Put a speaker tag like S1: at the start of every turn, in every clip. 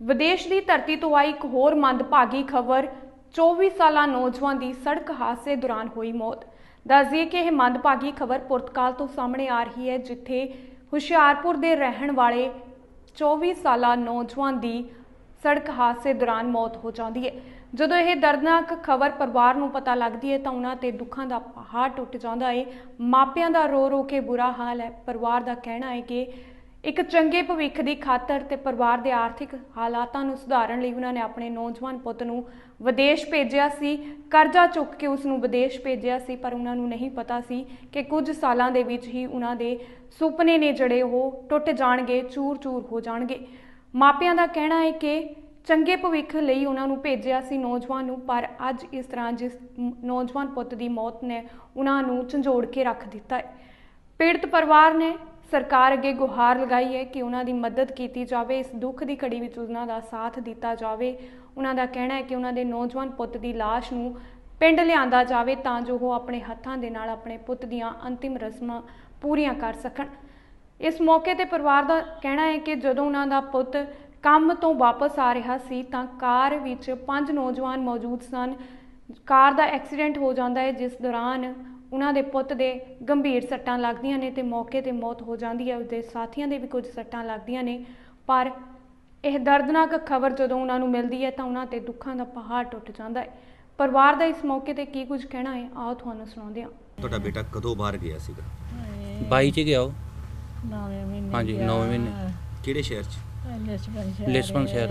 S1: विदेश की धरती तो आई एक होर मंदभागी खबर। 24 साला नौजवान की सड़क हादसे दौरान हुई मौत। दस दिए कि यह मंदभागी खबर पुर्तगाल तो सामने आ रही है, जिथे हुशियारपुर के रहन वाले 24 साला नौजवान की सड़क हादसे दौरान मौत हो जाती है। ਜਦੋਂ ਇਹ दर्दनाक खबर परिवार ਨੂੰ पता लगती है तो उन्होंने ते दुखों का पहाड़ टुट जाता है। मापियां का रो रो के बुरा हाल है। परिवार का कहना है कि एक चंगे भविख की खातर ते परिवार के आर्थिक हालातों को सुधारन लई उन्होंने अपने नौजवान पुत नूं विदेश भेजिया सी। कर्जा चुक के उसनूं विदेश भेजिया सी, पर उन्होंने नहीं पता सी कि कुछ सालों के विच ही उन्होंने सुपने ने जड़े वो टुट जाणगे, चूर चूर हो जाणगे। मापियां का कहना है कि चंगे भविख लई उन्होंने भेजिया सी नौजवान नूं, पर अज इस तरह जिस नौजवान पुत की मौत ने उन्होंने झंझोड़ के रख दिता है। पीड़ित परिवार ने सरकार अगे गुहार लगाई है कि उन्होंने मदद की जाए, इस दुख की घड़ी में उन्होंने साथ दिता जाए। उन्होंने कहना है कि उन्होंने नौजवान पुत की लाश नूं पिंड लिआंदा जाए तां जो वो अपने हत्थां दे नाल अपने पुत दीआं अंतिम रस्मां पूरीआं कर सकण। इस मौके ते परिवार का कहना है कि जदों उन्हां दा पुत काम तो वापस आ रहा सी तां कार विच 5 नौजवान मौजूद सन। कार का एक्सीडेंट हो जाता है, जिस दौरान उन्होंने पुत दे गंभीर सट्टां लगदियां ने ते मौके ते मौत हो जाती है। उसके साथियों के भी कुछ सट्टां लगदियां ने, पर यह दर्दनाक खबर जदों उन्होंने मिलती है तो उन्होंने दुखों का पहाड़ टुट जाता है। परिवार का इस मौके ते की कुछ कहना है, आओ तुहानूं सुणाउंदे हां।
S2: ਤੁਹਾਡਾ ਬੇਟਾ ਕਦੋਂ ਬਾਹਰ ਗਿਆ ਸੀਗਾ?
S3: 22 ਚ ਗਿਆ ਉਹ।
S4: 9 ਮਹੀਨੇ
S3: ਹਾਂਜੀ 9 ਮਹੀਨੇ।
S2: ਕਿਹੜੇ ਸ਼ਹਿਰ 'ਚ?
S3: ਲਿਸਬਨ ਸ਼ਹਿਰ।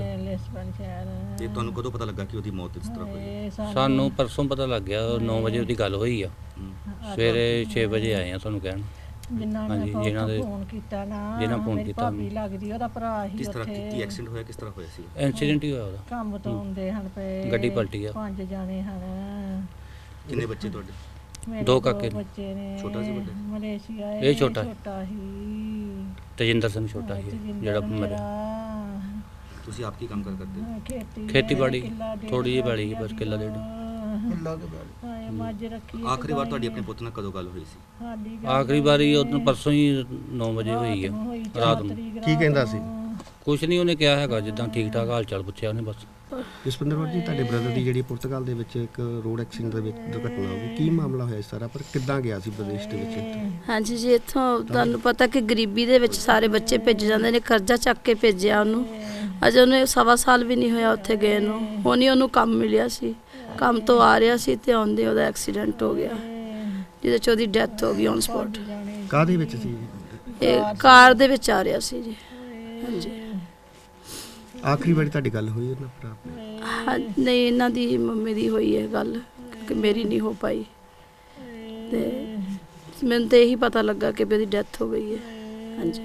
S2: ਤੇ ਤੁਹਾਨੂੰ ਕਦੋਂ ਪਤਾ ਲੱਗਾ ਕਿ ਉਹਦੀ ਮੌਤ ਇਸ ਤਰ੍ਹਾਂ ਹੋਈ?
S3: ਸਾਨੂੰ ਪਰਸੋਂ ਪਤਾ ਲੱਗ ਗਿਆ, 9 ਵਜੇ ਉਹਦੀ ਗੱਲ ਹੋਈ ਆ। ਸਵੇਰੇ 6 ਵਜੇ ਆਏ ਆ ਤੁਹਾਨੂੰ ਕਹਿਣ।
S4: ਜਿਨ੍ਹਾਂ ਦੇ ਫੋਨ ਕੀਤਾ ਨਾ,
S3: ਜਿਨ੍ਹਾਂ ਫੋਨ ਕੀਤਾ,
S4: ਭਾਬੀ ਲੱਗਦੀ ਉਹਦਾ ਭਰਾ ਹੀ
S2: ਕਿਸ ਤਰ੍ਹਾਂ
S4: ਉੱਥੇ।
S2: ਕੀ ਐਕਸੀਡੈਂਟ ਹੋਇਆ, ਕਿਸ ਤਰ੍ਹਾਂ ਹੋਇਆ ਸੀ?
S3: ਐਕਸੀਡੈਂਟ ਹੀ ਹੋਇਆ ਉਹਦਾ।
S4: ਕੰਮ ਤੋਂ ਆਉਂਦੇ ਹਨ ਪਏ,
S3: ਗੱਡੀ ਪਲਟੀ ਆ।
S4: 5 ਜਾਣੇ ਹਨ।
S2: ਕਿੰਨੇ ਬੱਚੇ ਤੁਹਾਡੇ?
S4: ਮੇਰੇ
S3: 2 ਕਾਕੇ ਨੇ।
S4: ਬੱਚੇ ਨੇ।
S2: ਛੋਟਾ ਸੀ ਵੱਡਾ?
S4: ਮਲੇਸ਼ੀਆ
S3: ਇਹ ਛੋਟਾ
S4: ਹੀ।
S3: ਤੇਜਿੰਦਰ ਸਿੰਘ ਛੋਟਾ ਸੀ ਜਿਹੜਾ ਮਰਿਆ।
S2: ਤੁਸੀਂ ਆਪ ਕੀ ਕੰਮ ਕਰਦੇ?
S3: ਖੇਤੀਬਾੜੀ ਥੋੜੀ ਜਿਹੀ ਬਾੜੀ ਸੀ, ਬਸ ਕਿੱਲਾ ਡੇਢ।
S4: ਮੱਝ ਰੱਖੀ।
S2: ਆਖਰੀ ਵਾਰ ਤੁਹਾਡੀ ਆਪਣੇ ਪੁੱਤ ਨਾਲ ਕਦੋਂ ਗੱਲ ਹੋਈ ਸੀ?
S3: ਆਖਰੀ ਵਾਰੀ ਉਹ ਪਰਸੋਂ ਹੀ 9 ਵਜੇ ਹੋਈ ਆ ਰਾਤ ਨੂੰ।
S5: ਕੀ ਕਹਿੰਦਾ ਸੀ?
S3: ਕੁਛ ਨਹੀਂ ਉਹਨੇ ਕਿਹਾ ਹੈਗਾ, ਜਿੱਦਾਂ ਠੀਕ ਠਾਕ ਹਾਲ ਚਾਲ ਪੁੱਛਿਆ ਉਹਨੇ ਬਸ।
S5: ਜਸਵਿੰਦਰ ਕੌਰ ਜੀ, ਤੁਹਾਡੇ ਬ੍ਰਦਰ ਦੀ ਜਿਹੜੀ ਪੁਰਤਗਾਲ ਦੇ ਵਿੱਚ ਇੱਕ ਰੋਡ ਐਕਸੀਡੈਂਟ ਦੇ ਵਿੱਚ ਦੁਰਘਟਨਾ ਹੋ ਗਈ, ਕੀ ਮਾਮਲਾ ਹੋਇਆ ਸਾਰਾ, ਪਰ ਕਿੱਦਾਂ ਗਿਆ ਸੀ ਵਿਦੇਸ਼ ਦੇ ਵਿੱਚ?
S6: ਹਾਂਜੀ ਜੀ, ਇੱਥੋਂ ਤੁਹਾਨੂੰ ਪਤਾ ਕਿ ਗਰੀਬੀ ਦੇ ਵਿੱਚ ਸਾਰੇ ਬੱਚੇ ਭੇਜ ਜਾਂਦੇ ਨੇ, ਕਰਜ਼ਾ ਚੱਕ ਕੇ ਭੇਜਿਆ ਉਹਨੂੰ। ਅਜੇ ਉਹਨੇ 1.25 ਸਾਲ ਵੀ ਨਹੀਂ ਹੋਇਆ ਉੱਥੇ ਗਏ ਨੂੰ। ਹੁਣ ਹੀ ਉਹਨੂੰ ਕੰਮ ਮਿਲਿਆ ਸੀ, ਕੰਮ ਤੋਂ ਆ ਰਿਹਾ ਸੀ ਤੇ ਆਉਂਦੇ ਉਹਦਾ ਐਕਸੀਡੈਂਟ ਹੋ ਗਿਆ, ਜਿਹਦੇ 'ਚ ਉਹਦੀ ਡੈਥ ਹੋ ਗਈ ਔਨ ਸਪੌਟ।
S5: ਕਾਹਦੇ ਵਿੱਚ ਸੀ?
S6: ਇਹ ਕਾਰ ਦੇ ਵਿੱਚ ਆ ਰਿਹਾ ਸੀ ਜੀ। ਹਾਂਜੀ।
S5: ਆਖਰੀ ਵਾਰੀ ਤੁਹਾਡੀ ਗੱਲ ਹੋਈ ਉਹਨਾਂ ਭਰਾ ਨਾਲ?
S6: ਹਾਂ, ਨਹੀਂ, ਇਹਨਾਂ ਦੀ ਮੰਮੀ ਦੀ ਹੋਈ ਹੈ ਗੱਲ, ਕਿ ਮੇਰੀ ਨਹੀਂ ਹੋ ਪਾਈ। ਤੇ ਮੈਨੂੰ ਤਾਂ ਇਹੀ ਪਤਾ ਲੱਗਾ ਕਿ ਉਹਦੀ ਡੈਥ ਹੋ ਗਈ ਹੈ। ਹਾਂਜੀ।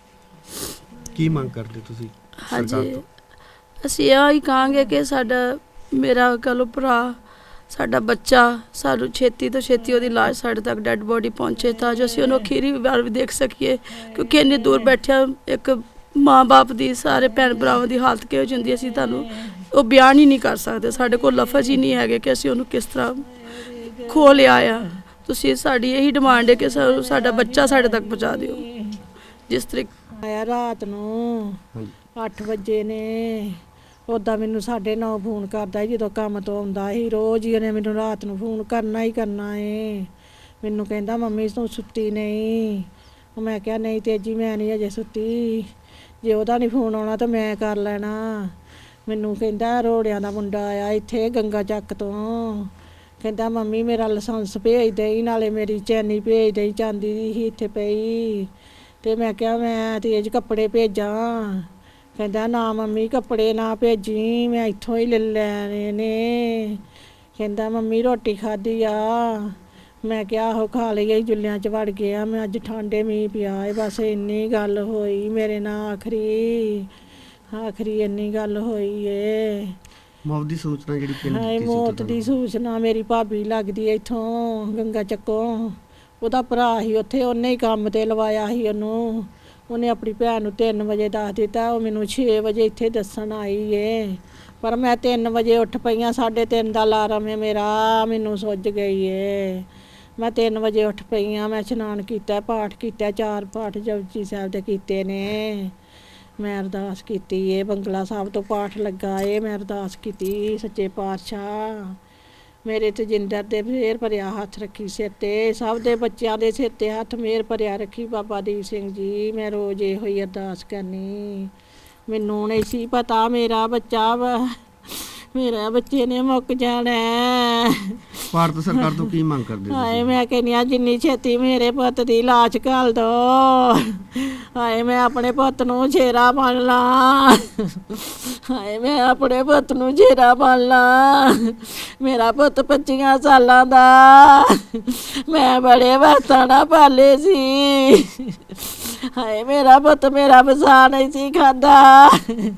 S5: ਕੀ ਮੰਗ ਕਰਦੇ ਤੁਸੀਂ ਸਰਕਾਰ
S6: ਹਾਂਜੀ,
S5: ਤੋਂ?
S6: ਅਸੀਂ ਇਹ ਹੀ ਕਹਾਂਗੇ ਕਿ ਮੇਰਾ ਕਹੋ ਭਰਾ, ਸਾਡਾ ਬੱਚਾ, ਸਾਨੂੰ ਛੇਤੀ ਤੋਂ ਛੇਤੀ ਉਹਦੀ ਲਾਸ਼ ਸਾਡੇ ਤੱਕ ਡੈੱਡ ਬੋਡੀ ਪਹੁੰਚੇ ਤਾਂ ਜੋ ਅਸੀਂ ਉਹਨੂੰ ਅਖੀਰੀ ਵਾਰ ਵੀ ਦੇਖ ਸਕੀਏ, ਕਿਉਂਕਿ ਇੰਨੀ ਦੂਰ ਬੈਠਿਆ ਇੱਕ ਮਾਂ-ਬਾਪ ਦੀ, ਸਾਰੇ ਭੈਣ ਭਰਾਵਾਂ ਦੀ ਹਾਲਤ ਕਿਹੋ ਜਿਹੀ ਹੁੰਦੀ, ਅਸੀਂ ਤੁਹਾਨੂੰ ਉਹ ਬਿਆਨ ਹੀ ਨਹੀਂ ਕਰ ਸਕਦੇ। ਸਾਡੇ ਕੋਲ ਲਫ਼ਜ਼ ਹੀ ਨਹੀਂ ਹੈਗੇ ਕਿ ਅਸੀਂ ਉਹਨੂੰ ਕਿਸ ਤਰ੍ਹਾਂ ਖੋਹ ਲਿਆ ਆ। ਤੁਸੀਂ ਸਾਡੀ ਇਹੀ ਡਿਮਾਂਡ ਹੈ ਕਿ ਸਾਡਾ ਬੱਚਾ ਸਾਡੇ ਤੱਕ ਪਹੁੰਚਾ ਦਿਓ। ਜਿਸ ਤਰੀਕੇ
S4: ਆਇਆ ਰਾਤ ਨੂੰ 8 ਵਜੇ ਨੇ, ਉੱਦਾਂ ਮੈਨੂੰ 9:30 ਫੋਨ ਕਰਦਾ ਜਦੋਂ ਕੰਮ ਤੋਂ ਆਉਂਦਾ ਸੀ। ਰੋਜ਼ ਹੀ ਉਹਨੇ ਮੈਨੂੰ ਰਾਤ ਨੂੰ ਫੋਨ ਕਰਨਾ ਹੀ ਕਰਨਾ ਏ। ਮੈਨੂੰ ਕਹਿੰਦਾ ਮੰਮੀ ਤੂੰ ਸੁੱਤੀ ਨਹੀਂ? ਮੈਂ ਕਿਹਾ ਨਹੀਂ ਤੇਜੀ, ਮੈਂ ਨਹੀਂ ਅਜੇ ਸੁੱਤੀ, ਜੇ ਉਹਦਾ ਨਹੀਂ ਫੋਨ ਆਉਣਾ ਤਾਂ ਮੈਂ ਕਰ ਲੈਣਾ। ਮੈਨੂੰ ਕਹਿੰਦਾ ਰੋੜਿਆਂ ਦਾ ਮੁੰਡਾ ਆਇਆ ਇੱਥੇ ਗੰਗਾ ਚੱਕ ਤੋਂ, ਕਹਿੰਦਾ ਮੰਮੀ ਮੇਰਾ ਲਾਇਸੈਂਸ ਭੇਜ ਦੇਈ, ਨਾਲੇ ਮੇਰੀ ਚੈਨੀ ਭੇਜ ਦੇਈ, ਚਾਂਦੀ ਦੀ ਸੀ ਇੱਥੇ ਪਈ। ਤੇ ਮੈਂ ਕਿਹਾ ਮੈਂ ਤੇਜ ਕੱਪੜੇ ਭੇਜਾਂ? ਕਹਿੰਦਾ ਨਾ ਮੰਮੀ ਕੱਪੜੇ ਨਾ ਭੇਜੀ, ਮੈਂ ਇੱਥੋਂ ਹੀ ਲੈ ਲੈਣੇ ਨੇ। ਕਹਿੰਦਾ ਮੰਮੀ ਰੋਟੀ ਖਾਧੀ ਆ? ਮੈਂ ਕਿਹਾ ਆਹੋ ਖਾ ਲਈ, ਜੁੱਲਿਆਂ 'ਚ ਵੜ ਗਿਆ ਮੈਂ, ਅੱਜ ਠੰਡੇ ਮੀਂਹ ਪਿਆ ਏ। ਬਸ ਇੰਨੀ ਗੱਲ ਹੋਈ ਮੇਰੇ ਨਾਲ, ਆਖਰੀ ਇੰਨੀ ਗੱਲ ਹੋਈ ਏ।
S5: ਮੌਤ ਦੀ ਸੂਚਨਾ ਜਿਹੜੀ ਪਿੰਡ
S4: ਹਾਏ,
S5: ਦਿੱਤੀ ਸੀ
S4: ਮੌਤ
S5: ਤੁਹਾਨੂੰ?
S4: ਦੀ ਸੂਚਨਾ ਮੇਰੀ ਭਾਬੀ ਲੱਗਦੀ ਇੱਥੋਂ ਗੰਗਾ ਚੱਕੋਂ, ਉਹਦਾ ਭਰਾ ਸੀ ਉੱਥੇ, ਉਹਨੇ ਹੀ ਕੰਮ ਤੇ ਲਵਾਇਆ ਸੀ ਉਹਨੂੰ। ਉਹਨੇ ਆਪਣੀ ਭੈਣ ਨੂੰ 3 ਵਜੇ ਦੱਸ ਦਿੱਤਾ, ਉਹ ਮੈਨੂੰ 6 ਵਜੇ ਇੱਥੇ ਦੱਸਣ ਆਈ ਏ। ਪਰ ਮੈਂ 3 ਵਜੇ ਉੱਠ ਪਈਆਂ, 3:30 ਦਾ ਅਲਾਰਮ ਹੈ ਮੇਰਾ, ਮੈਨੂੰ ਸੁੱਜ ਗਈ ਏ। ਮੈਂ 3 ਵਜੇ ਉੱਠ ਪਈਆਂ, ਮੈਂ ਇਸ਼ਨਾਨ ਕੀਤਾ, ਪਾਠ ਕੀਤਾ, 4 ਪਾਠ ਜਪਜੀ ਸਾਹਿਬ ਦੇ ਕੀਤੇ ਨੇ। ਮੈਂ ਅਰਦਾਸ ਕੀਤੀ ਏ, ਬੰਗਲਾ ਸਾਹਿਬ ਤੋਂ ਪਾਠ ਲੱਗਾ ਏ, ਮੈਂ ਅਰਦਾਸ ਕੀਤੀ ਸੱਚੇ ਪਾਤਸ਼ਾਹ ਮੇਰੇ ਤੇ ਜਿੰਦਰ ਦੇ ਮਿਹਰ ਭਰਿਆ ਹੱਥ ਰੱਖੀ ਸਿਰ ਤੇ, ਸਭ ਦੇ ਬੱਚਿਆਂ ਦੇ ਸਿਰ ਤੇ ਹੱਥ ਮਿਹਰ ਭਰਿਆ ਰੱਖੀ ਬਾਬਾ ਦੀਪ ਸਿੰਘ ਜੀ। ਮੈਂ ਰੋਜ਼ ਇਹੋ ਹੀ ਅਰਦਾਸ ਕਰਨੀ। ਮੈਨੂੰ ਨਹੀਂ ਸੀ ਪਤਾ ਮੇਰਾ ਬੱਚਾ ਮੇਰੇ ਬੱਚੇ ਨੇ ਮੁੱਕ ਜਾਣਾ ਹੈ।
S5: ਭਾਰਤ ਸਰਕਾਰ ਤੋਂ ਕੀ ਮੰਗ ਕਰਦੇ
S4: ਹਾਏ
S5: ਤੁਸੀਂ?
S4: ਮੈਂ ਕਹਿੰਦੀ ਹਾਂ ਜਿੰਨੀ ਛੇਤੀ ਮੇਰੇ ਪੁੱਤ ਦੀ ਲਾਸ਼ ਘੱਲ ਦੋ। ਹਾਏ ਮੈਂ ਆਪਣੇ ਪੁੱਤ ਨੂੰ ਛੇਰਾ ਬਣ ਲਾਂ। ਹਾਏ ਮੈਂ ਆਪਣੇ ਪੁੱਤ ਨੂੰ ਛੇਰਾ ਬਣ ਲਾਂ। ਮੇਰਾ ਪੁੱਤ 25 ਸਾਲਾਂ ਦਾ, ਮੈਂ ਬੜੇ ਵਕਤਾਂ ਨਾਲ ਪਾਲੇ ਸੀ। ਹਾਏ ਮੇਰਾ ਪੁੱਤ ਮੇਰਾ ਵਸਾ ਨਹੀਂ ਸੀ ਖਾਂਦਾ।